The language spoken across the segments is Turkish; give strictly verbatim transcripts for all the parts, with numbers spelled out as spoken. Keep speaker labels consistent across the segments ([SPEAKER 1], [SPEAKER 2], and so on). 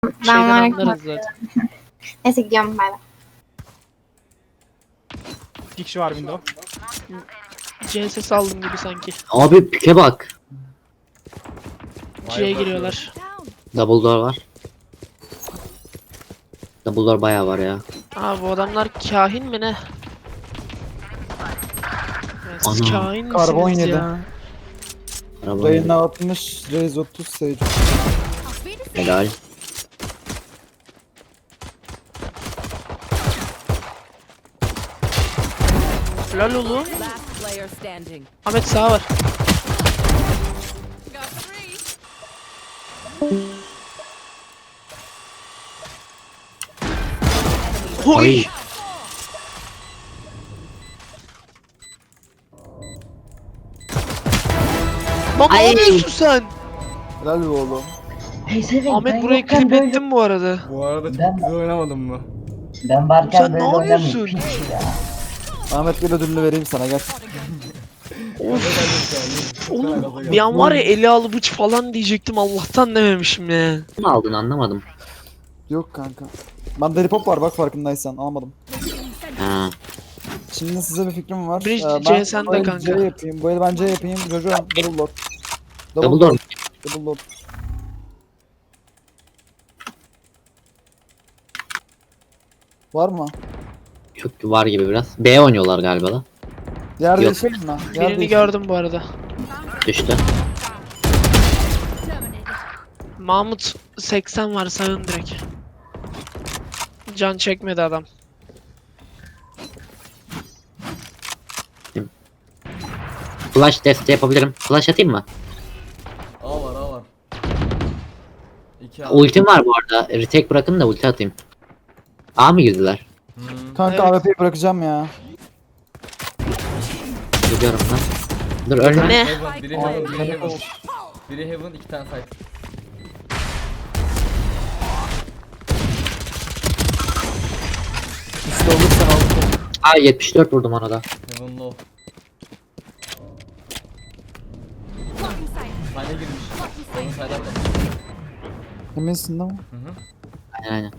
[SPEAKER 1] Şeyden
[SPEAKER 2] var
[SPEAKER 1] anlarız zaten.
[SPEAKER 2] Neyse gidiyorum bay bay.
[SPEAKER 3] İki kişi var window.
[SPEAKER 1] C S saldım gibi sanki.
[SPEAKER 4] Abi pike bak.
[SPEAKER 1] C'ye giriyorlar.
[SPEAKER 4] Double door var. Double door bayağı var ya.
[SPEAKER 1] Aa bu adamlar kahin mi ne? Ya siz
[SPEAKER 4] Ana.
[SPEAKER 1] kahin
[SPEAKER 5] Karbon
[SPEAKER 1] misiniz
[SPEAKER 5] yedi.
[SPEAKER 1] ya?
[SPEAKER 4] Araba
[SPEAKER 5] Reyna altmış, Raze otuz, Sage.
[SPEAKER 4] helal.
[SPEAKER 1] Lol oğlum.
[SPEAKER 6] Last player standing.
[SPEAKER 1] Ahmet sağ var. Oy.
[SPEAKER 4] Ay.
[SPEAKER 1] Lan ne
[SPEAKER 4] Ay.
[SPEAKER 1] yapıyorsun sen?
[SPEAKER 5] Helal be oğlum.
[SPEAKER 7] Peysevenk,
[SPEAKER 1] Ahmet
[SPEAKER 7] ben
[SPEAKER 1] burayı
[SPEAKER 7] yokken
[SPEAKER 1] klip
[SPEAKER 7] böyle-
[SPEAKER 1] ettin bu arada.
[SPEAKER 3] Bu arada çok
[SPEAKER 7] Ben-
[SPEAKER 3] güzel oynamadın mı?
[SPEAKER 7] Ben varken
[SPEAKER 1] Sen ne
[SPEAKER 7] böyle oynamayayım.
[SPEAKER 1] yapıyorsun?
[SPEAKER 7] Piç ya.
[SPEAKER 5] Ahmet gel ödülünü vereyim sana gel.
[SPEAKER 1] Oğlum bir an var ya eli alı bıç falan diyecektim Allah'tan dememişim ya.
[SPEAKER 4] Ne aldın anlamadım.
[SPEAKER 5] Yok kanka. Bende hip hop var bak farkındaysan almadım.
[SPEAKER 4] Ha.
[SPEAKER 5] Şimdi size bir fikrim var.
[SPEAKER 1] Bridge
[SPEAKER 5] Ee,
[SPEAKER 1] C
[SPEAKER 5] ben
[SPEAKER 1] sende
[SPEAKER 5] bu el
[SPEAKER 1] kanka.
[SPEAKER 5] C yapayım. Bu el ben C yapayım. Jojo double lord.
[SPEAKER 4] Double door.
[SPEAKER 5] Double lord. Var mı?
[SPEAKER 4] Çok var gibi biraz. B oynuyorlar galiba da.
[SPEAKER 5] Yer
[SPEAKER 4] Yok.
[SPEAKER 5] değişelim mi? Yer
[SPEAKER 1] Birini
[SPEAKER 5] değişelim.
[SPEAKER 1] gördüm bu arada.
[SPEAKER 4] Düştü.
[SPEAKER 1] Mahmut seksen var sağın direkt. Can çekmedi adam.
[SPEAKER 4] Flash desteği yapabilirim. Flash atayım mı?
[SPEAKER 3] A var A var. İki A.
[SPEAKER 4] Ultim var bu arada. Retake bırakın da ulti atayım. A mı girdiler?
[SPEAKER 3] Hmm.
[SPEAKER 5] Kanka
[SPEAKER 1] Evet.
[SPEAKER 5] A W P'yi bırakacağım ya.
[SPEAKER 4] Gidiyorum lan. Dur ölme.
[SPEAKER 1] Ne?
[SPEAKER 3] Heaven, biri Heaven, biri Heaven. Biri Heaven, iki tane fight.
[SPEAKER 5] Üstte olursan al.
[SPEAKER 4] Aa yetmiş dört vurdum ona da.
[SPEAKER 3] Heaven low. Tane girmiş. Onu sayda atlamış.
[SPEAKER 5] Eminsin değil mi?
[SPEAKER 3] Hı hı.
[SPEAKER 4] Aynen aynen.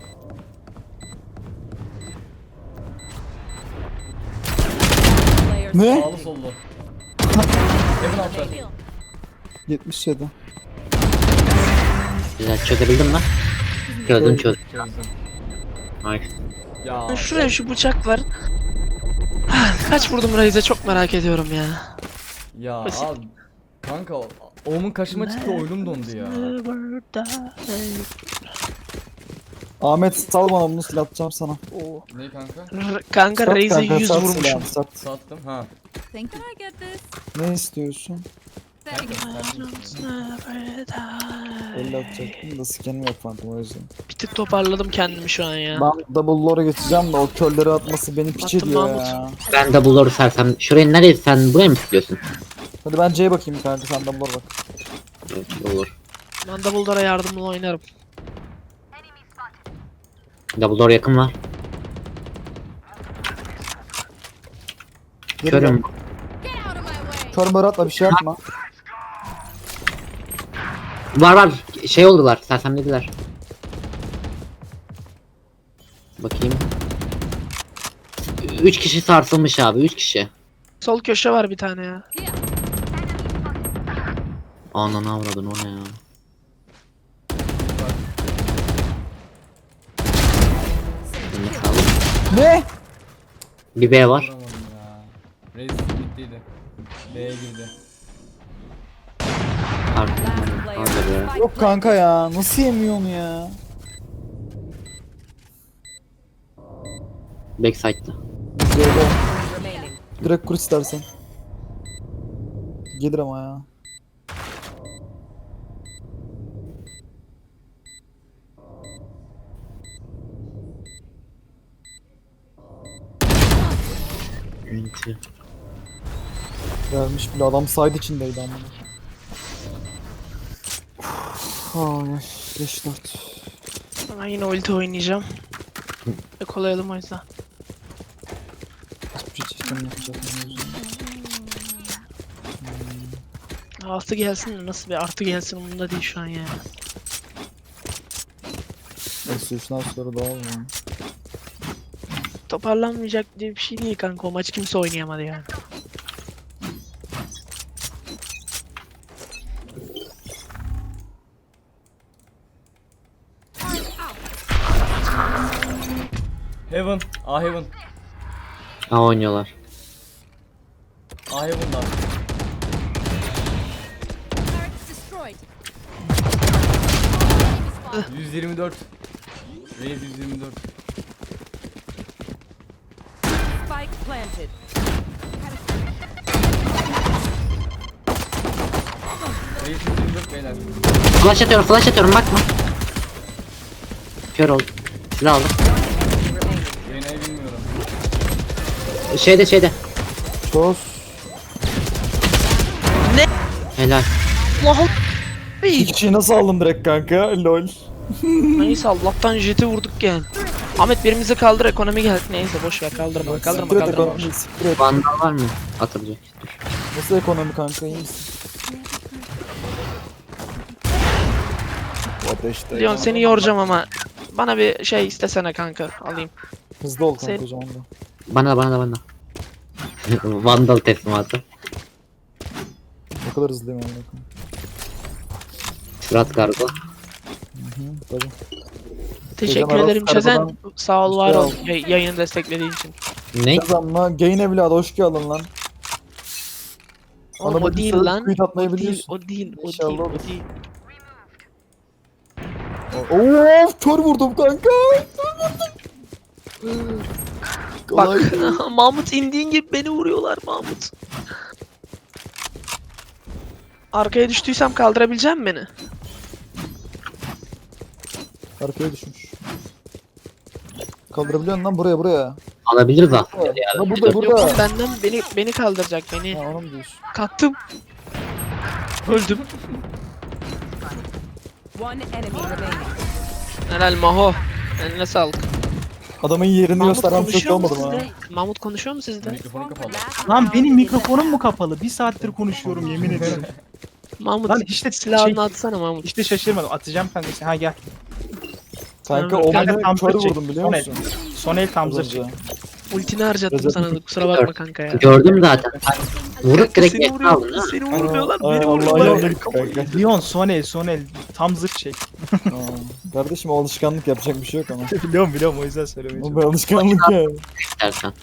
[SPEAKER 6] Player
[SPEAKER 5] Ne?
[SPEAKER 3] Sağlı sollu. Heaven altta.
[SPEAKER 5] yetmiş yedi.
[SPEAKER 4] Güzel çözebildim mi? Çözdüm çözdüm.
[SPEAKER 3] Çözdüm.
[SPEAKER 4] Nice.
[SPEAKER 3] Ya.
[SPEAKER 1] Şuraya şu bıçak var. Kaç vurdum Raze'e çok merak ediyorum ya.
[SPEAKER 3] Ya
[SPEAKER 1] Basit.
[SPEAKER 3] abi. Kanka o- oğlumun kaşıma çıktı oyunum dondu ya.
[SPEAKER 5] Ahmet sal bana bunu silah atacağım sana.
[SPEAKER 3] Ne kanka?
[SPEAKER 1] R- Kanka
[SPEAKER 5] Sat
[SPEAKER 1] Raze'e
[SPEAKER 5] kanka,
[SPEAKER 1] yüz
[SPEAKER 5] sat
[SPEAKER 1] vurmuşum.
[SPEAKER 5] silahını, sat.
[SPEAKER 3] Sattım ha.
[SPEAKER 6] Think I get this?
[SPEAKER 5] Ne istiyorsun?
[SPEAKER 3] Kanka, sattım.
[SPEAKER 5] elli atacaktım da sikenim yok fantom o yüzden.
[SPEAKER 1] Bir tık toparladım kendimi şu an ya.
[SPEAKER 5] Ben double lore'a geçeceğim de o körleri atması beni piç
[SPEAKER 1] Attım
[SPEAKER 5] ediyor
[SPEAKER 1] Mahmut.
[SPEAKER 5] ya.
[SPEAKER 4] Ben de bulur sersem. Şurayı nereye sen buraya mı tutuyorsun?
[SPEAKER 5] Hadi ben C'ye bakayım kanka sen double lore bak.
[SPEAKER 4] Evet, olur.
[SPEAKER 1] Ben Doubledore'a yardımla oynarım.
[SPEAKER 4] Double door yakın var.
[SPEAKER 5] Geri
[SPEAKER 4] Körüm.
[SPEAKER 5] gel. Kör mör atma bir şey yapma.
[SPEAKER 4] Var var. Şey oldular. Sersemlediler. Bakayım. Üç kişi sarsılmış abi. Üç kişi.
[SPEAKER 1] Sol köşe var bir tane ya.
[SPEAKER 4] Ananı avradın o ne ya. Eline sağlık.
[SPEAKER 5] Ne?
[SPEAKER 4] Bir B var.
[SPEAKER 3] Vuramadım ya. Reis bittiydi. B'ye girdi.
[SPEAKER 4] Arkamdan. Arda be.
[SPEAKER 5] Yok kanka ya nasıl yemiyor onu ya?
[SPEAKER 4] Backside'da.
[SPEAKER 5] C'de.
[SPEAKER 6] remaining.
[SPEAKER 5] Direkt kur istersen. Gelir ama ya.
[SPEAKER 4] Enti.
[SPEAKER 5] Gelmiş bile adam side içindeydi ama. Ay beş dört.
[SPEAKER 1] Ben yine ulti oynayacağım. Yakalayalım o yüzden.
[SPEAKER 5] Hiçbir şey çektim yapacak.
[SPEAKER 1] Artı gelsin de nasıl bir artı gelsin umurumda değil şu an ya.
[SPEAKER 5] Eksi üçten sonra daha mı?
[SPEAKER 1] Toparlanmayacak diye bir şey değil kanka. O maç kimse oynayamadı yani.
[SPEAKER 3] Heaven. A Heaven.
[SPEAKER 4] Ha oynuyorlar.
[SPEAKER 3] A Heaven'da.
[SPEAKER 6] Turret destroyed.
[SPEAKER 3] yüz yirmi dört. Raze yüz yirmi dört.
[SPEAKER 6] Spike planted.
[SPEAKER 3] Raze yüz yirmi dört beyler.
[SPEAKER 4] Flash atıyorum flash atıyorum bakma. Kör oldu. Silah aldım.
[SPEAKER 6] Remaining.
[SPEAKER 3] Reyna'yı bilmiyorum.
[SPEAKER 4] Şeyde şeyde.
[SPEAKER 5] Çöz.
[SPEAKER 4] Helal.
[SPEAKER 1] Allah
[SPEAKER 5] İki kişiyi nasıl aldım direkt kanka? Lol.
[SPEAKER 1] Neyse Allah'tan jeti vurduk yani. Ahmet birimizi kaldır ekonomi geldi. Neyse boş ver kaldırma kaldırma
[SPEAKER 5] Siktir et
[SPEAKER 1] kaldırma.
[SPEAKER 5] ekonomi, siktir et.
[SPEAKER 4] Vandal var mı? Atılacak. Dur.
[SPEAKER 5] Nasıl ekonomi kanka, iyi misin? Bu ateşte.
[SPEAKER 1] Leon seni yoracağım ama bana bir şey istesene kanka alayım.
[SPEAKER 5] Hızlı ol kanka
[SPEAKER 1] Sen-
[SPEAKER 5] o zaman da.
[SPEAKER 4] Bana da bana da bana da. Vandal teslimatı.
[SPEAKER 5] Ne kadar hızlıyım amına koyayım.
[SPEAKER 4] Surat kargo.
[SPEAKER 5] Hı hı, tabii.
[SPEAKER 1] Teşekkür
[SPEAKER 5] Hocam,
[SPEAKER 1] ederim
[SPEAKER 5] Aras
[SPEAKER 1] Çezen.
[SPEAKER 5] Karabadan
[SPEAKER 1] Sağ ol var
[SPEAKER 5] şey
[SPEAKER 1] ol
[SPEAKER 5] al.
[SPEAKER 1] yay- yayını desteklediğin için.
[SPEAKER 4] Ne?
[SPEAKER 5] Kazanma, gain evladı hoş geldin lan.
[SPEAKER 1] Oğlum,
[SPEAKER 5] Adama
[SPEAKER 1] o
[SPEAKER 5] bir
[SPEAKER 1] değil
[SPEAKER 5] sürü
[SPEAKER 1] lan.
[SPEAKER 5] tweet atmayı
[SPEAKER 1] O değil,
[SPEAKER 5] biliyorsun.
[SPEAKER 1] o değil, o
[SPEAKER 5] İnşallah
[SPEAKER 1] değil, o
[SPEAKER 5] olur.
[SPEAKER 1] değil.
[SPEAKER 5] Of, kör vurdum kanka.
[SPEAKER 1] Bak
[SPEAKER 5] Kolay.
[SPEAKER 1] Mahmut indiğin gibi beni vuruyorlar Mahmut. Arkaya düştüysem kaldırabilecek misin beni?
[SPEAKER 5] Arkaya düşmüş. Kaldırabiliyor musun lan buraya buraya?
[SPEAKER 4] Alabiliriz ha.
[SPEAKER 5] Ha burada
[SPEAKER 1] Yok
[SPEAKER 5] burada.
[SPEAKER 1] oğlum, benden beni beni kaldıracak beni.
[SPEAKER 5] Ha onu mu diyorsun?
[SPEAKER 1] Kattım. Öldüm.
[SPEAKER 6] One enemy remaining.
[SPEAKER 1] Helal Maho. Eline sağlık.
[SPEAKER 5] Adamın yerini
[SPEAKER 1] Mahmut
[SPEAKER 5] gösteren çok
[SPEAKER 1] konuşuyor mu
[SPEAKER 5] olmadım ha.
[SPEAKER 1] sizde? Mahmut konuşuyor mu sizde?
[SPEAKER 3] Mikrofonu kapalı.
[SPEAKER 8] Lan benim mikrofonum mu kapalı? Bir saattir konuşuyorum yemin ederim.
[SPEAKER 1] Mahmut
[SPEAKER 8] Lan işte
[SPEAKER 1] silahını
[SPEAKER 8] şey,
[SPEAKER 1] atsana Mahmut.
[SPEAKER 8] işte şaşırmadım. Atacağım kanka. Ha gel.
[SPEAKER 5] Kanka
[SPEAKER 1] Kanka,
[SPEAKER 5] o
[SPEAKER 8] kanka,
[SPEAKER 5] beni
[SPEAKER 8] tam
[SPEAKER 5] kör
[SPEAKER 8] çek.
[SPEAKER 5] vurdum biliyor
[SPEAKER 8] Son
[SPEAKER 5] musun?
[SPEAKER 8] Son el tam
[SPEAKER 5] Az
[SPEAKER 8] zırh.
[SPEAKER 5] önce.
[SPEAKER 1] Ultini harcattım
[SPEAKER 5] Recep
[SPEAKER 1] sana da kusura bakma kanka ya.
[SPEAKER 4] Gördüm zaten. Vurup direkt
[SPEAKER 1] Seni
[SPEAKER 4] yakın aldın
[SPEAKER 1] vuruyor,
[SPEAKER 4] ha.
[SPEAKER 1] seni vurmuyorlar,
[SPEAKER 5] Ay,
[SPEAKER 1] beni
[SPEAKER 5] Allah
[SPEAKER 1] vuruyorlar.
[SPEAKER 5] yanına gitti kanka.
[SPEAKER 8] Leon son el son el. Tam zırh çek.
[SPEAKER 5] Aa, Kardeşim o alışkanlık yapacak bir şey yok ama.
[SPEAKER 8] biliyorum biliyorum o yüzden söylemeye
[SPEAKER 5] O bir
[SPEAKER 8] çalışıyorum.
[SPEAKER 5] alışkanlık ya.
[SPEAKER 4] İstersen.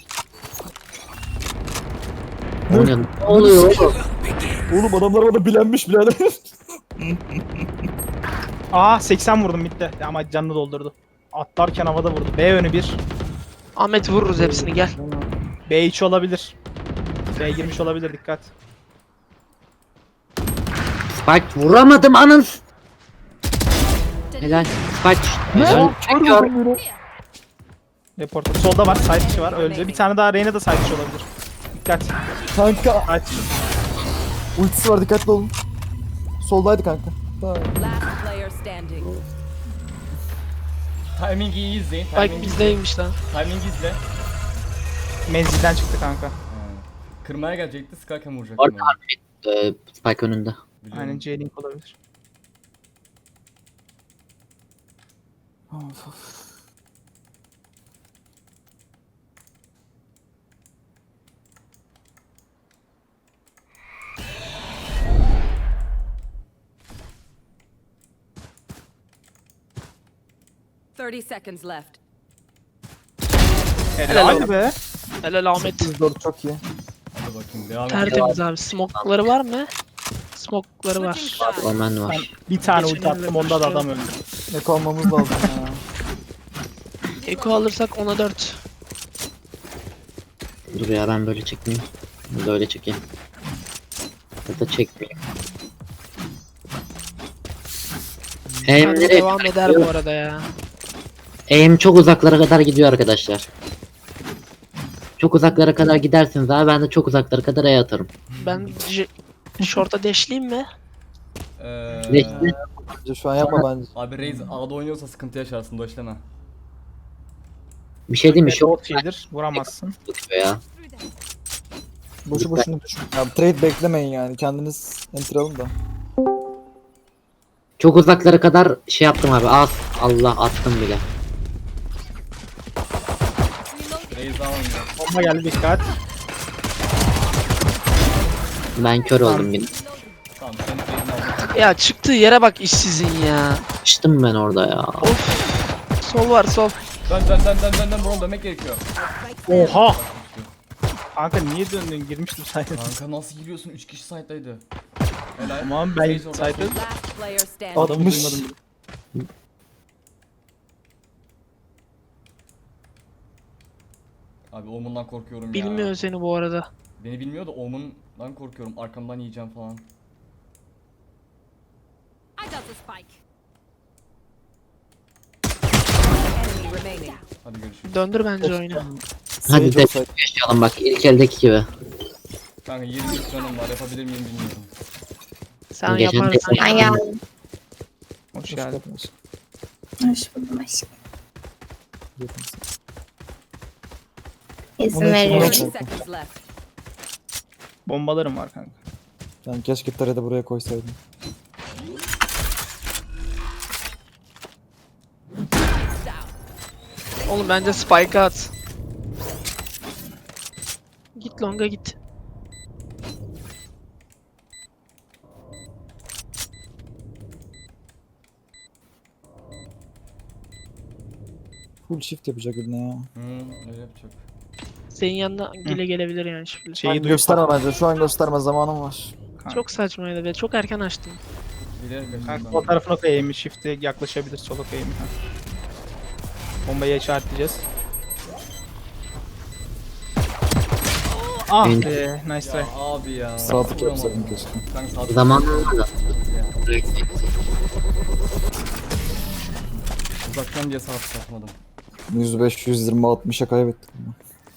[SPEAKER 4] Ne oluyor? Ne oluyor oğlum?
[SPEAKER 5] Oğlum adamlar bana bilenmiş birader.
[SPEAKER 8] Aa seksen vurdum bitti. Ama canını doldurdu. Atlarken havada vurdu. B önü bir.
[SPEAKER 1] Ahmet vururuz hepsini gel.
[SPEAKER 8] B içi olabilir. B girmiş olabilir dikkat.
[SPEAKER 4] Spike vuramadım anın. Helal. Spike. Helal. Kör.
[SPEAKER 8] Reporter. Solda var. Side dışı var. Öldü. Bir tane daha Reyna da side dışı olabilir. Dikkat.
[SPEAKER 5] Kanka
[SPEAKER 8] Side dışı.
[SPEAKER 5] ultisi var, dikkatli olun. Soldaydı kanka. Tamam.
[SPEAKER 6] Last player standing.
[SPEAKER 3] Timing'i iyi izleyin.
[SPEAKER 1] Bak
[SPEAKER 3] Timing,
[SPEAKER 1] bizdeymiş lan.
[SPEAKER 3] timing izle.
[SPEAKER 8] Menzilden çıktı kanka.
[SPEAKER 3] Ha. Kırmaya gelecekti. Skycam vuracaktım.
[SPEAKER 4] Orada
[SPEAKER 3] onu.
[SPEAKER 4] Ee, Spike önünde.
[SPEAKER 3] Biliyorum.
[SPEAKER 8] Aynen J-Link olabilir.
[SPEAKER 5] Of, of.
[SPEAKER 6] thirty seconds left.
[SPEAKER 1] Helal
[SPEAKER 8] Helal be.
[SPEAKER 1] Helal Ahmet.
[SPEAKER 5] sekiz dört çok iyi.
[SPEAKER 3] Hadi bakayım devam et.
[SPEAKER 1] Tertemiz abi. Smokları var mı? Smokları var.
[SPEAKER 6] Switching sides.
[SPEAKER 4] Omen
[SPEAKER 8] Ben
[SPEAKER 4] var.
[SPEAKER 8] bir tane
[SPEAKER 1] Geçen
[SPEAKER 8] ulti attım
[SPEAKER 1] elle
[SPEAKER 8] onda da
[SPEAKER 1] başlıyor.
[SPEAKER 8] adam öldü.
[SPEAKER 5] Eko almamız lazım ya.
[SPEAKER 1] Eko alırsak ona dört.
[SPEAKER 4] Dur ya ben böyle çekmeyeyim. Böyle çekeyim. Ya da çekmeyeyim. Aim
[SPEAKER 1] Bence
[SPEAKER 4] nereye?
[SPEAKER 1] devam eder bu arada ya.
[SPEAKER 4] Aim çok uzaklara kadar gidiyor arkadaşlar. Çok uzaklara kadar gidersiniz abi ben de çok uzaklara kadar E atarım.
[SPEAKER 1] Ben j- short'a deşleyeyim mi?
[SPEAKER 3] Ee,
[SPEAKER 4] Geçti.
[SPEAKER 5] Bence şu an yapma bence.
[SPEAKER 3] abi Raze A'da oynuyorsa sıkıntı yaşarsın. Doşleme.
[SPEAKER 4] Bir şey diyeyim mi? Çok
[SPEAKER 8] Short yedir. Vuramazsın.
[SPEAKER 4] tutuyor ya.
[SPEAKER 5] Boşu boşuna düşün. Ya trade beklemeyin yani. Kendiniz enter alın da.
[SPEAKER 4] Çok uzaklara kadar şey yaptım abi. Az Allah attım bile.
[SPEAKER 3] Reis daha oynuyor.
[SPEAKER 8] Bomba geldi, dikkat.
[SPEAKER 4] Ben kör oldum yine.
[SPEAKER 3] Tamam senin Reis'ini aldım.
[SPEAKER 1] Ya çıktığı yere bak işsizin ya.
[SPEAKER 4] Açtım ben orada ya.
[SPEAKER 1] Of. Sol var sol.
[SPEAKER 3] Dön dön dön dön dön dön bro dönmek gerekiyor.
[SPEAKER 8] Oha! Kanka niye döndün? Girmiştim sayede.
[SPEAKER 3] Kanka nasıl giriyorsun? üç kişi site'daydı. Helal.
[SPEAKER 8] Tamam ben
[SPEAKER 3] Sage orada.
[SPEAKER 8] sayede
[SPEAKER 6] Last player standing.
[SPEAKER 8] adamı
[SPEAKER 5] Altmış.
[SPEAKER 8] duymadım bile.
[SPEAKER 3] Abi Omen'dan korkuyorum ya.
[SPEAKER 1] Bilmiyor seni bu arada.
[SPEAKER 3] Beni bilmiyor da Omen'dan korkuyorum. Arkamdan yiyeceğim falan.
[SPEAKER 6] I got the spike. Enemy remaining.
[SPEAKER 3] Hadi görüşürüz.
[SPEAKER 1] Döndür bence oyunu.
[SPEAKER 4] Hadi
[SPEAKER 5] Sage
[SPEAKER 4] de
[SPEAKER 5] olsaydı.
[SPEAKER 4] yaşayalım bak ilk eldeki gibi.
[SPEAKER 3] Kanka yirmi üç canım var. Yapabilir miyim bilmiyorum.
[SPEAKER 1] Sen
[SPEAKER 4] Geçen
[SPEAKER 1] yaparsın.
[SPEAKER 4] tek-
[SPEAKER 2] Ben geldim.
[SPEAKER 8] Hoş
[SPEAKER 5] Hoş
[SPEAKER 8] geldin.
[SPEAKER 5] geldiniz.
[SPEAKER 2] Hoş buldum aşkım.
[SPEAKER 5] Yakınız.
[SPEAKER 2] İzin
[SPEAKER 5] Onun için
[SPEAKER 2] veriyorum.
[SPEAKER 5] uğraş-
[SPEAKER 6] thirty seconds left.
[SPEAKER 8] Bombalarım var kanka.
[SPEAKER 5] Yani keşke tarayı buraya koysaydım.
[SPEAKER 1] Oğlum bence spike at. Git longa git.
[SPEAKER 5] Full shift yapacak birine ya.
[SPEAKER 3] Hmm, öyle yapacak.
[SPEAKER 1] Senin yanına gele gelebilir yani şimdi.
[SPEAKER 5] Şu an
[SPEAKER 8] Şeyi duy.
[SPEAKER 5] gösterme bence. Şu an gösterme zamanım var.
[SPEAKER 1] Çok saçmaydı be. Çok erken açtım.
[SPEAKER 3] Bilerek kaçtım
[SPEAKER 8] Kanka
[SPEAKER 3] ben.
[SPEAKER 8] sol tarafına koyayım. Shift'e yaklaşabilir. Sola koyayım. Ha. Bombayı işaretleyeceğiz. Ah
[SPEAKER 4] Ben-
[SPEAKER 8] be, nice try.
[SPEAKER 3] Ya abi ya.
[SPEAKER 5] Sağ tık yapsaydım keşke.
[SPEAKER 3] Kanka sağ tık
[SPEAKER 4] Zaman
[SPEAKER 3] yapsaydım.
[SPEAKER 4] olmadı.
[SPEAKER 3] Ya, Uzaktan diye sağ tık atmadım.
[SPEAKER 5] yüz beş, yüz yirmi, altmışa kaybettik. bunu.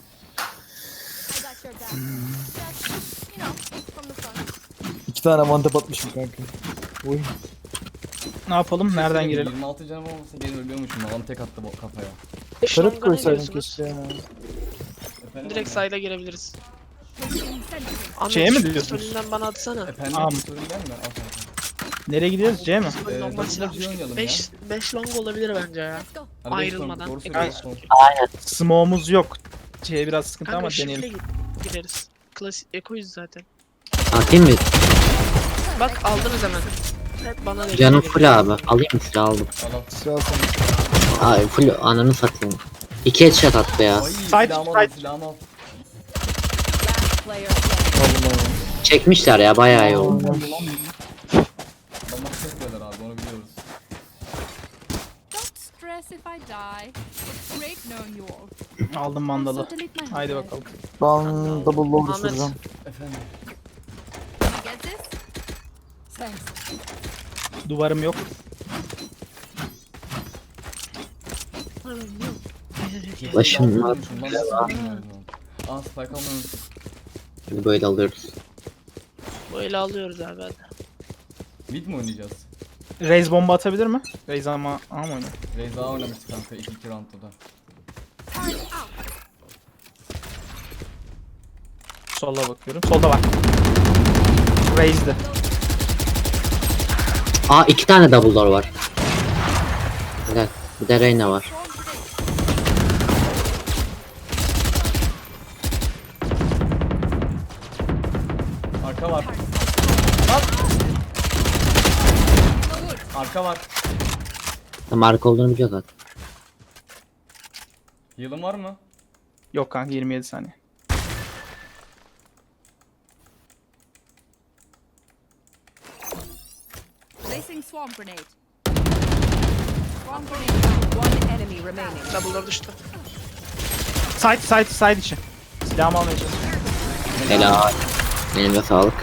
[SPEAKER 5] İki tane mantep atmışım kanka. Oy.
[SPEAKER 8] Ne yapalım? Nereden girelim?
[SPEAKER 3] yirmi altı canım olmasa gene ölüyormuşum. Adam tek attı bu kafaya.
[SPEAKER 5] Tarıt
[SPEAKER 1] Longa ne
[SPEAKER 5] koysaydım
[SPEAKER 1] diyorsunuz?
[SPEAKER 5] keşke ya.
[SPEAKER 3] Efendim
[SPEAKER 1] Direkt
[SPEAKER 3] abi?
[SPEAKER 1] side'a girebiliriz. Ahmet,
[SPEAKER 8] Şeye mi
[SPEAKER 1] şu
[SPEAKER 8] diyorsunuz?
[SPEAKER 1] Önünden bana atsana.
[SPEAKER 3] Efendim
[SPEAKER 8] Tamam.
[SPEAKER 3] sorun gelme. Al kanka.
[SPEAKER 8] Nereye gidiyoruz? C mi?
[SPEAKER 3] Ee,
[SPEAKER 1] Normal
[SPEAKER 3] dokuz
[SPEAKER 1] silah.
[SPEAKER 3] C oynayalım ya.
[SPEAKER 1] beş beş long olabilir bence ya.
[SPEAKER 3] Hadi beş
[SPEAKER 1] Ayrılmadan.
[SPEAKER 3] doğru
[SPEAKER 1] Kanka,
[SPEAKER 3] söylüyorsun.
[SPEAKER 8] Smoke'umuz yok. C biraz sıkıntı
[SPEAKER 1] Kanka
[SPEAKER 8] ama
[SPEAKER 1] shift'le
[SPEAKER 8] deneyelim.
[SPEAKER 1] git- gideriz. Klasik ekoyuz zaten.
[SPEAKER 4] Atayım mı?
[SPEAKER 1] Bak aldınız hemen. Hep bana da
[SPEAKER 4] Canım
[SPEAKER 1] geliyor.
[SPEAKER 4] full abi. Alayım mı silah aldım.
[SPEAKER 3] Al al.
[SPEAKER 5] Silah sana.
[SPEAKER 4] Ay full ananı satayım. İki headshot attı ya.
[SPEAKER 3] Ay
[SPEAKER 8] Side,
[SPEAKER 3] silahımı al
[SPEAKER 8] side.
[SPEAKER 3] silahımı al.
[SPEAKER 6] Last player standing.
[SPEAKER 5] Aldım
[SPEAKER 4] Çekmişler ya bayağı iyi oldu.
[SPEAKER 5] aldım.
[SPEAKER 3] Adamlar çekmiyorlar abi onu biliyoruz.
[SPEAKER 9] Don't stress if I die. It's great knowing you all.
[SPEAKER 8] Aldım mandalı.
[SPEAKER 9] Also delete my
[SPEAKER 8] Haydi
[SPEAKER 9] head.
[SPEAKER 8] bakalım.
[SPEAKER 5] Ben double low
[SPEAKER 1] Ahmet.
[SPEAKER 5] düşüreceğim.
[SPEAKER 3] Efendim.
[SPEAKER 9] Can I get this? Thanks.
[SPEAKER 8] Duvarım yok.
[SPEAKER 4] Başım var.
[SPEAKER 3] Lan nasıl yapıyorsun? Aa spike almayı unuttum.
[SPEAKER 4] Şimdi böyle alıyoruz.
[SPEAKER 1] Böyle alıyoruz abi hadi.
[SPEAKER 3] Mid mi oynayacağız?
[SPEAKER 8] Raze bomba atabilir mi? Raze ama ama oynuyor.
[SPEAKER 3] Raze daha oynamıştık kanka ilk iki roundda da.
[SPEAKER 8] Sola bakıyorum. Solda var. Raze'de.
[SPEAKER 4] Aa iki tane double door var. Güzel. Bir de Reyna var.
[SPEAKER 3] Arka var. Lan! Arka var.
[SPEAKER 4] Tam arka olduğunu biliyor zaten.
[SPEAKER 3] Heal'ın var mı?
[SPEAKER 8] Yok kanka yirmi yedi saniye.
[SPEAKER 9] Placing swarm grenade. Swarm grenade.
[SPEAKER 6] One enemy remaining.
[SPEAKER 1] Double'lar düştü.
[SPEAKER 8] Side side side içi. Silahımı almaya çalışıyorum.
[SPEAKER 4] Helal. Elime sağlık.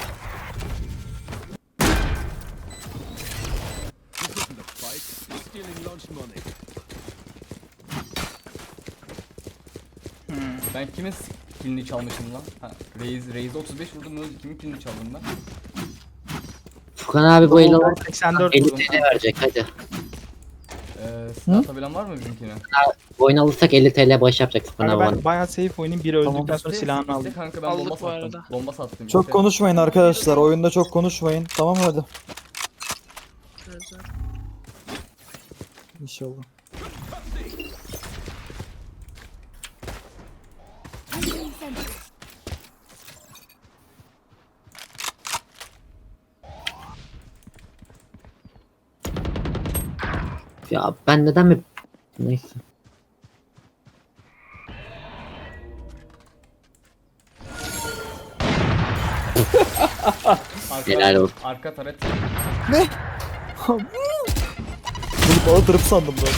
[SPEAKER 3] Ben kimin killini çalmışım lan? Ha, Raze, Raze otuz beş vurdum öldü. Kimin killini çaldım ben?
[SPEAKER 4] Furkan abi bu eli
[SPEAKER 8] Ben seksen dört
[SPEAKER 4] elli
[SPEAKER 8] vurdum.
[SPEAKER 4] T L verecek hadi.
[SPEAKER 3] Ee, silah atabilen var mı bizimkine?
[SPEAKER 4] Bu oyunu alırsak elli T L bağış yapacak Furkan
[SPEAKER 8] Kanka
[SPEAKER 4] abi.
[SPEAKER 8] ben bayağı safe oynayayım. Biri öldükten
[SPEAKER 5] Tamam.
[SPEAKER 8] sonra silahını aldım.
[SPEAKER 3] İşte kanka ben
[SPEAKER 1] Aldık
[SPEAKER 3] bomba
[SPEAKER 1] bu
[SPEAKER 3] sattım.
[SPEAKER 1] arada.
[SPEAKER 3] Bomba sattım.
[SPEAKER 5] Çok
[SPEAKER 3] işte.
[SPEAKER 5] konuşmayın arkadaşlar. Oyunda çok konuşmayın. Tamam mı hadi?
[SPEAKER 1] Güzel.
[SPEAKER 5] İnşallah.
[SPEAKER 4] Ya ben neden mi... Neyse.
[SPEAKER 3] Arka,
[SPEAKER 4] Helal olsun.
[SPEAKER 3] arka taret.
[SPEAKER 5] Bunu bana tırıp sandım ben.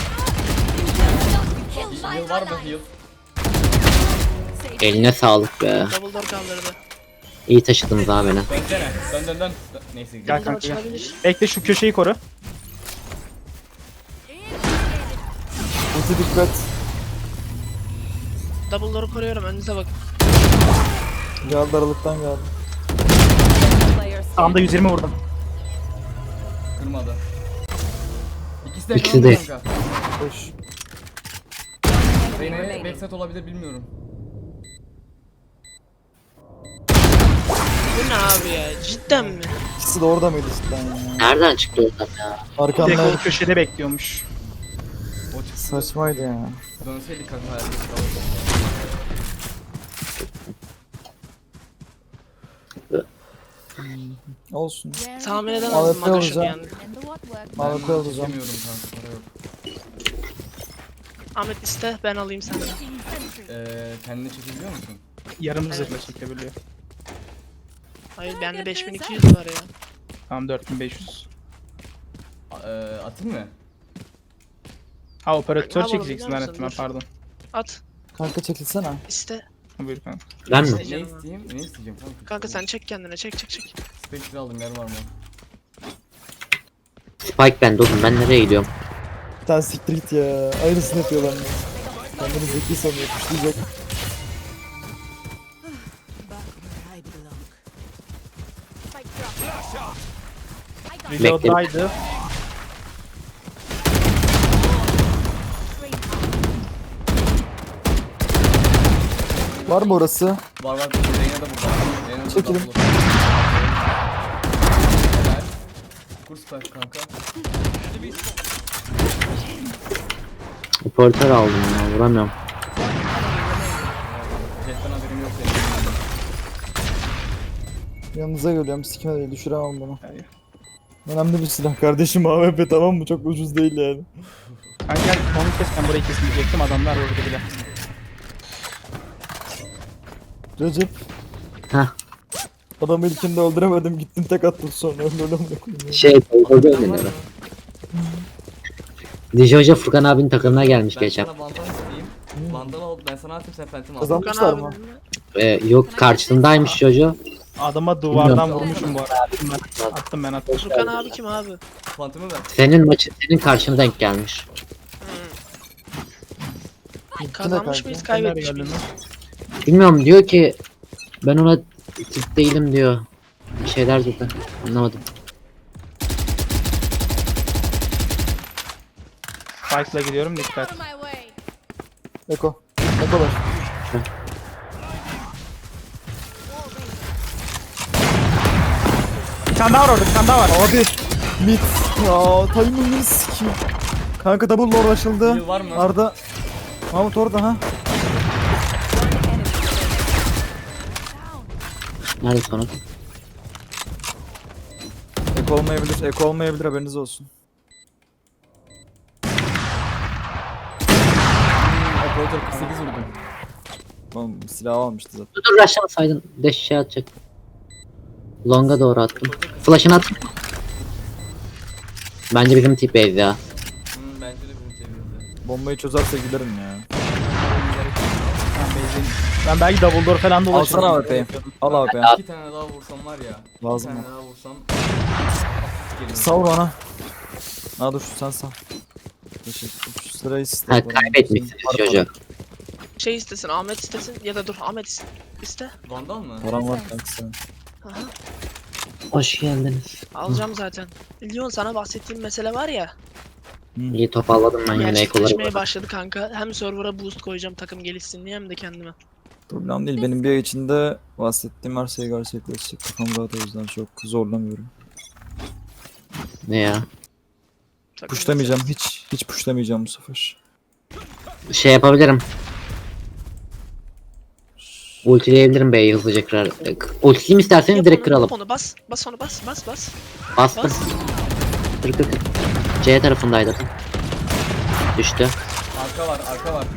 [SPEAKER 3] Heal var mı heal?
[SPEAKER 4] Eline sağlık be.
[SPEAKER 1] Double door kaldırdı.
[SPEAKER 4] İyi taşıdınız abi beni.
[SPEAKER 3] Dönsene. Dön dön dön. Dön. Neyse.
[SPEAKER 8] Gel
[SPEAKER 1] Double door
[SPEAKER 8] kanka gel.
[SPEAKER 1] açılabilir.
[SPEAKER 8] Bekle şu köşeyi koru.
[SPEAKER 5] Ulti dikkat.
[SPEAKER 1] Double door'u koruyorum, önünüze bak.
[SPEAKER 5] Geldi aralıktan geldi.
[SPEAKER 6] Player
[SPEAKER 8] Sağımda
[SPEAKER 6] standing.
[SPEAKER 8] yüz yirmi vurdum.
[SPEAKER 3] Kırmadı. İkisi de
[SPEAKER 4] İkisi
[SPEAKER 3] ekranında
[SPEAKER 4] de.
[SPEAKER 3] kanka.
[SPEAKER 5] Hoş.
[SPEAKER 3] Reyna'ya
[SPEAKER 6] remaining.
[SPEAKER 3] backside olabilir bilmiyorum.
[SPEAKER 1] Bu ne abi ya? Cidden mi?
[SPEAKER 5] İkisi de orada mıydı cidden ya?
[SPEAKER 4] Nereden çıktı oradan ya?
[SPEAKER 8] Tek o
[SPEAKER 5] Arkamda
[SPEAKER 8] köşede bekliyormuş.
[SPEAKER 3] O çıktı.
[SPEAKER 5] saçmaydı ya.
[SPEAKER 3] Dönseydik kanka hayal.
[SPEAKER 5] Olsun.
[SPEAKER 1] Tahmin
[SPEAKER 5] A
[SPEAKER 1] edemezdim
[SPEAKER 5] W P
[SPEAKER 1] Magaş'ın
[SPEAKER 5] olacağım.
[SPEAKER 1] yani.
[SPEAKER 9] And the what work?
[SPEAKER 5] Mavi
[SPEAKER 3] Ben
[SPEAKER 5] alacağım.
[SPEAKER 3] çekemiyorum kanka para yok.
[SPEAKER 1] Ahmet iste, ben alayım senden.
[SPEAKER 3] Eee kendini çekebiliyor musun?
[SPEAKER 8] Yarım zırhla çekebiliyor.
[SPEAKER 1] Hayır, bende beş bin iki yüz var ya.
[SPEAKER 8] Tamam dört bin beş yüz.
[SPEAKER 3] A- Eee atayım mı?
[SPEAKER 8] Ha operatör
[SPEAKER 1] Al oğlum,
[SPEAKER 8] çekeceksin
[SPEAKER 1] biliyor
[SPEAKER 8] zannettim ben
[SPEAKER 1] musun?
[SPEAKER 8] pardon.
[SPEAKER 1] At,
[SPEAKER 5] Kanka çekilsene.
[SPEAKER 1] iste.
[SPEAKER 8] Ha, buyur kanka.
[SPEAKER 4] Ben mi?
[SPEAKER 3] Ne
[SPEAKER 1] Canım.
[SPEAKER 3] isteyeyim? Ne isteyeceğim kanka?
[SPEAKER 1] Kanka sen çek kendine, çek çek çek.
[SPEAKER 3] Spectre aldım yer var mı?
[SPEAKER 4] Spike bende oğlum, ben nereye gidiyorum?
[SPEAKER 5] Bir tane siktir git ya. Aynısını yapıyorlar mı? Kendini zeki sanıyor. Kuşlayacak.
[SPEAKER 8] Reload'daydı.
[SPEAKER 5] Var mı orası?
[SPEAKER 3] Var var. Reyna da burada. Reyna da
[SPEAKER 5] Çekelim.
[SPEAKER 3] burada. Helal. Kur spike kanka.
[SPEAKER 4] Operatör aldım ya, vuramıyorum.
[SPEAKER 3] Jetten haberim yok senin.
[SPEAKER 5] Yanınıza geliyorum. Sikime değil. Düşüremem bunu.
[SPEAKER 8] Hayır.
[SPEAKER 5] Önemli bir silah kardeşim A W P, tamam mı? Çok ucuz değil yani.
[SPEAKER 8] Kanka gel onu kes, ben burayı kesmeyecektim, adamlar orada bile.
[SPEAKER 5] Recep.
[SPEAKER 4] Hah.
[SPEAKER 5] Adamı ilkinde öldüremedim. Gittin tek attın sonra. Öyle öyle mi koyayım?
[SPEAKER 4] Şey, Tolga
[SPEAKER 3] Adam var
[SPEAKER 4] oynuyor.
[SPEAKER 3] mı?
[SPEAKER 4] Dijo Hoca Furkan abinin takımına gelmiş
[SPEAKER 3] Ben
[SPEAKER 4] geçen.
[SPEAKER 3] sana vandal isteyeyim. Vandal al. Ben sana atayım sen phantom al.
[SPEAKER 5] Kazan-
[SPEAKER 1] Furkan
[SPEAKER 5] Yapmışlar
[SPEAKER 1] abi
[SPEAKER 5] mı?
[SPEAKER 1] mi?
[SPEAKER 4] Ee, yok karşısındaymış Jojo.
[SPEAKER 8] Adama duvardan
[SPEAKER 3] Bilmiyorum.
[SPEAKER 8] vurmuşum bu arada. Attım ben. Attım ben attım.
[SPEAKER 1] Furkan abi kim abi?
[SPEAKER 3] Phantom'u ver.
[SPEAKER 4] Senin maçı, senin karşına denk gelmiş.
[SPEAKER 5] Gitti
[SPEAKER 1] Kazanmış
[SPEAKER 5] de
[SPEAKER 1] mıyız,
[SPEAKER 5] kanka.
[SPEAKER 8] Nereye
[SPEAKER 1] kaybetmiş
[SPEAKER 8] geldin
[SPEAKER 1] miyiz?
[SPEAKER 8] lan?
[SPEAKER 4] Bilmiyorum, diyor ki ben ona tip değilim diyor. Bir şeyler dedi. Anlamadım.
[SPEAKER 8] Spike'la gidiyorum, dikkat.
[SPEAKER 9] On my way.
[SPEAKER 5] Eko. Eko ver.
[SPEAKER 8] Bir tane daha var orada, bir tane daha var.
[SPEAKER 5] Abi. Mid. Ya timing'ini sikeyim. Kanka double lord açıldı.
[SPEAKER 3] Heal var mı?
[SPEAKER 5] Arda. Mahmut orada ha.
[SPEAKER 4] Nerede sonra?
[SPEAKER 5] Eko olmayabilir. Eko olmayabilir, haberiniz olsun.
[SPEAKER 3] Operator kırk sekiz vurdum.
[SPEAKER 5] Oğlum silah almıştı zaten.
[SPEAKER 4] Dur dur, aşağısaydın. Deş şey atacak. Long'a doğru attım. Flash'ını at. Bence bizim tip base ya.
[SPEAKER 3] Hmm, bence de bizim seviyoruz.
[SPEAKER 5] Bombayı çözerse giderim ya.
[SPEAKER 8] Ben benzin. Ben belki double door falan dolaşırım.
[SPEAKER 5] Alsana A W P'yi. Al A W P'yi.
[SPEAKER 3] İki tane daha vursam var ya.
[SPEAKER 5] Lazım
[SPEAKER 3] İki
[SPEAKER 5] mı?
[SPEAKER 3] tane daha vursam. Gelirim.
[SPEAKER 5] Sal bana. Ha dur sen sal. Teşekkür. Şu sırayı iste.
[SPEAKER 4] Ha, kaybetmişsiniz Jojo.
[SPEAKER 1] Şey istesin, Ahmet istesin ya da dur Ahmet iste. iste.
[SPEAKER 3] Vandal mı?
[SPEAKER 5] Param var kanka sen.
[SPEAKER 1] Aha,
[SPEAKER 4] Hoş geldiniz.
[SPEAKER 1] alacağım zaten. Lyon, sana bahsettiğim mesele var ya.
[SPEAKER 4] İyi toparladım ben yine ekoları.
[SPEAKER 1] Gerçekleşmeye başladı kanka. Hem server'a boost koyacağım takım gelişsin diye, hem de kendime.
[SPEAKER 5] Problem değil. Benim bir ay içinde bahsettiğim her şey gerçekleşecek. Kafam rahat, o yüzden çok zorlamıyorum.
[SPEAKER 4] Ne ya?
[SPEAKER 1] Takım
[SPEAKER 5] Pushlamayacağım. Hiç hiç pushlamayacağım bu sefer.
[SPEAKER 4] Şey yapabilirim. Ultileyebilirim B'yi hızlıca kırar. E, Ultileyim isterseniz
[SPEAKER 1] Yap
[SPEAKER 4] direkt
[SPEAKER 1] onu,
[SPEAKER 4] kıralım.
[SPEAKER 1] yap onu, bas. Bas onu, bas, bas, bas.
[SPEAKER 4] Bastım.
[SPEAKER 1] Bas.
[SPEAKER 4] Kır kır kır. C tarafındaydı. Düştü.
[SPEAKER 3] Arka var, arka var.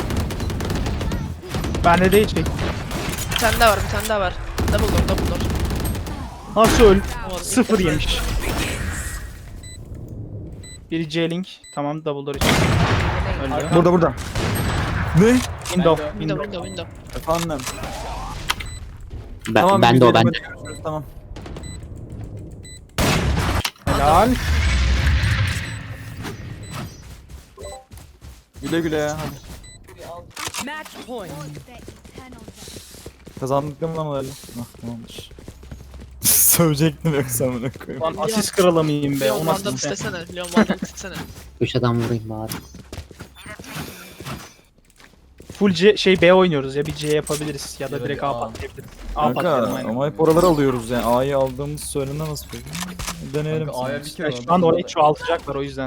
[SPEAKER 8] Bende de hiç şey.
[SPEAKER 1] Bir tane daha var, bir tane daha var. Double door, double door.
[SPEAKER 8] Nasıl öl?
[SPEAKER 1] Olmadı,
[SPEAKER 8] Sıfır
[SPEAKER 1] ilk defa.
[SPEAKER 8] yemiş. Biri J-Link. Tamam double door için. Öldü.
[SPEAKER 5] Burada burada. Ne?
[SPEAKER 8] Window.
[SPEAKER 1] Window,
[SPEAKER 8] Window.
[SPEAKER 1] window, window.
[SPEAKER 5] Efendim.
[SPEAKER 4] Ben,
[SPEAKER 5] Tamam,
[SPEAKER 4] ben de o ben de.
[SPEAKER 5] hadi görüşürüz, tamam.
[SPEAKER 8] Helal.
[SPEAKER 5] Güle güle ya hadi.
[SPEAKER 6] Match point.
[SPEAKER 5] Kazandık değil mi lan öyle? Ah tamamdır. Sövecektim yoksa amına koyayım.
[SPEAKER 8] Lan asist kralı mıyım be?
[SPEAKER 1] Leon
[SPEAKER 8] O
[SPEAKER 1] Vandal
[SPEAKER 8] nasıl bir şey?
[SPEAKER 1] istesene. Leon Vandal istesene.
[SPEAKER 4] Üç adam vurayım bari.
[SPEAKER 8] Full C şey B oynuyoruz ya bir C yapabiliriz ya da
[SPEAKER 3] Ya da
[SPEAKER 8] direkt
[SPEAKER 3] bir
[SPEAKER 8] A
[SPEAKER 3] A.
[SPEAKER 8] patlayabiliriz. A patlayalım
[SPEAKER 5] Kanka
[SPEAKER 8] aynen.
[SPEAKER 5] ama hep oraları alıyoruz yani. A'yı aldığımız söylenemez peki. Deneyelim.
[SPEAKER 3] Kanka A'ya
[SPEAKER 5] sonra.
[SPEAKER 3] bir kere
[SPEAKER 8] Ya şu an orayı çoğaltacaklar o yüzden.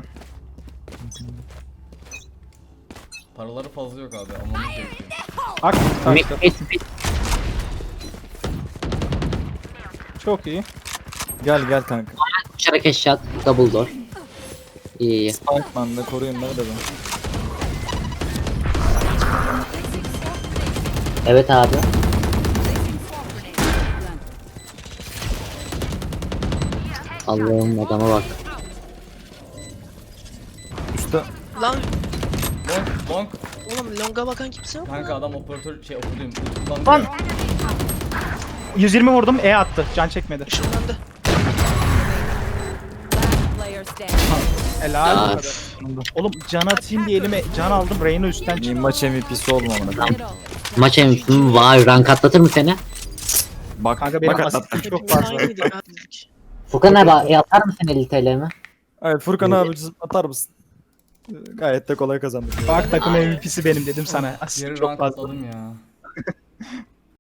[SPEAKER 3] Paraları fazla yok abi, almamız gerekiyor.
[SPEAKER 8] Bak
[SPEAKER 4] Mid,
[SPEAKER 8] taktı.
[SPEAKER 4] mid, mid.
[SPEAKER 8] Çok iyi.
[SPEAKER 5] Gel gel kanka.
[SPEAKER 4] Uçarak headshot. Double door. İyi iyi.
[SPEAKER 5] Spikeman da koruyun beni de ben.
[SPEAKER 4] Evet abi. Allah'ım adama bak.
[SPEAKER 5] Üstte.
[SPEAKER 1] Lan
[SPEAKER 3] Long, long.
[SPEAKER 1] oğlum longa bakan kimse yok mu?
[SPEAKER 3] Kanka adam operatör şey operatörüm. Kullandı
[SPEAKER 8] Lan!
[SPEAKER 3] ya.
[SPEAKER 8] yüz yirmi vurdum E attı. Can çekmedi.
[SPEAKER 1] Işınlandı.
[SPEAKER 6] Player standing.
[SPEAKER 8] Helal.
[SPEAKER 4] Ya.
[SPEAKER 8] bu kadar. Oğlum can atayım diye elime can aldım. Reyna üstten
[SPEAKER 5] İyi
[SPEAKER 8] çıktı.
[SPEAKER 5] maç M V P'si oldum amına.
[SPEAKER 4] Maç M V P'si vay rank atlatır mı seni?
[SPEAKER 5] Bak
[SPEAKER 8] Kanka benim
[SPEAKER 5] bak
[SPEAKER 8] asistim
[SPEAKER 5] atlattı.
[SPEAKER 8] çok
[SPEAKER 1] Hepimiz
[SPEAKER 8] fazla.
[SPEAKER 1] aynıydık ha dedik.
[SPEAKER 4] Furkan abi e, atar mısın elli T L'mi?
[SPEAKER 5] Evet Furkan abi atar mısın? Gayet de kolay kazandık.
[SPEAKER 8] Bak takım M V P'si benim dedim sana. Asist
[SPEAKER 3] Yarı
[SPEAKER 8] çok
[SPEAKER 3] rank
[SPEAKER 8] fazla.
[SPEAKER 3] atladım ya.